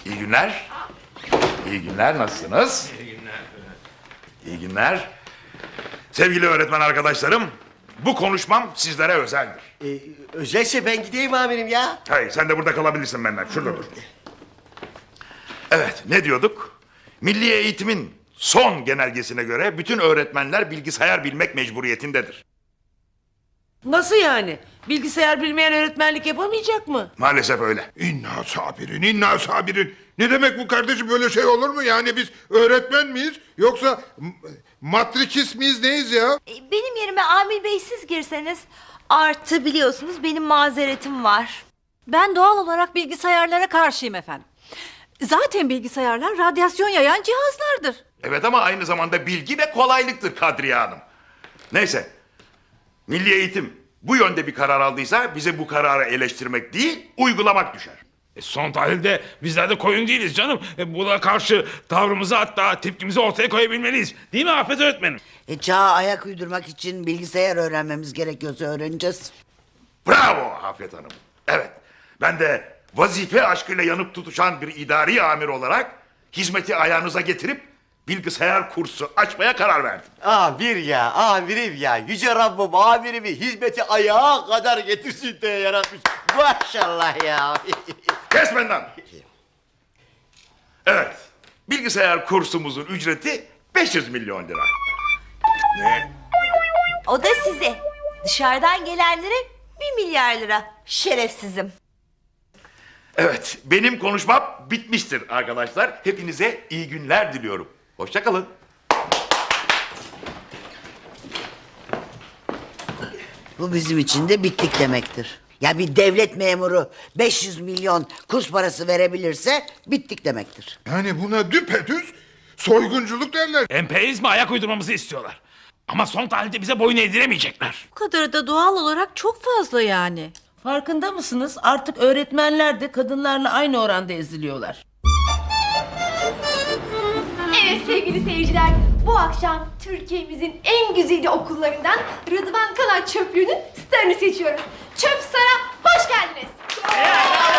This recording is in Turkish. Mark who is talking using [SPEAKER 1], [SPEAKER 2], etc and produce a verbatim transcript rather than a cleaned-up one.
[SPEAKER 1] İyi günler. İyi günler, nasılsınız?
[SPEAKER 2] İyi günler.
[SPEAKER 1] İyi günler. Sevgili öğretmen arkadaşlarım, bu konuşmam sizlere özeldir.
[SPEAKER 3] Ee, özelse ben gideyim amirim ya.
[SPEAKER 1] Hayır, sen de burada kalabilirsin benden. Şurada dur. Evet, ne diyorduk? Milli eğitimin son genelgesine göre bütün öğretmenler bilgisayar bilmek mecburiyetindedir.
[SPEAKER 4] Nasıl yani? Bilgisayar bilmeyen öğretmenlik yapamayacak mı?
[SPEAKER 1] Maalesef öyle.
[SPEAKER 2] İnna sabirin, inna sabirin. Ne demek bu kardeşim, böyle şey olur mu? Yani biz öğretmen miyiz yoksa m- matrikis miyiz, neyiz ya?
[SPEAKER 5] E, Benim yerime Amil Bey siz girseniz. Artı biliyorsunuz benim mazeretim var.
[SPEAKER 6] Ben doğal olarak bilgisayarlara karşıyım efendim. Zaten bilgisayarlar radyasyon yayan cihazlardır.
[SPEAKER 1] Evet ama aynı zamanda bilgi ve kolaylıktır Kadriye Hanım. Neyse, milli eğitim bu yönde bir karar aldıysa bize bu kararı eleştirmek değil, uygulamak düşer.
[SPEAKER 7] E, son tahlilde bizler de koyun değiliz canım. E, buna karşı tavrımızı, hatta tepkimizi ortaya koyabilmeliyiz. Değil mi Afet öğretmenim?
[SPEAKER 8] E, çağa ayak uydurmak için bilgisayar öğrenmemiz gerekiyorsa öğreneceğiz.
[SPEAKER 1] Bravo Afet Hanım. Evet, ben de vazife aşkıyla yanıp tutuşan bir idari amir olarak hizmeti ayağınıza getirip bilgisayar kursu açmaya karar verdim.
[SPEAKER 3] Amir ya, amirim ya. Yüce Rabbim amirimi hizmeti ayağa kadar getirsin diye yaratmış. Maşallah ya.
[SPEAKER 1] Kes benden. Evet, bilgisayar kursumuzun ücreti beş yüz milyon lira. Ne?
[SPEAKER 5] O da size. Dışarıdan gelenlere bir milyar lira. Şerefsizim.
[SPEAKER 1] Evet, benim konuşmam bitmiştir arkadaşlar. Hepinize iyi günler diliyorum. Hoşça kalın.
[SPEAKER 8] Bu bizim için de bittik demektir. Ya bir devlet memuru beş yüz milyon kurs parası verebilirse bittik demektir.
[SPEAKER 2] Yani buna düpedüz soygunculuk derler.
[SPEAKER 7] Emperyalizme ayak uydurmamızı istiyorlar. Ama son tahlilde bize boyun eğdiremeyecekler.
[SPEAKER 6] Bu kadarı da doğal olarak çok fazla yani.
[SPEAKER 4] Farkında mısınız? Artık öğretmenler de kadınlarla aynı oranda eziliyorlar.
[SPEAKER 9] Evet sevgili seyirciler, bu akşam Türkiye'mizin en güzide okullarından Rıdvan Kanar Çöplüğü'nün starını seçiyoruz. Çöp Star'a hoş geldiniz.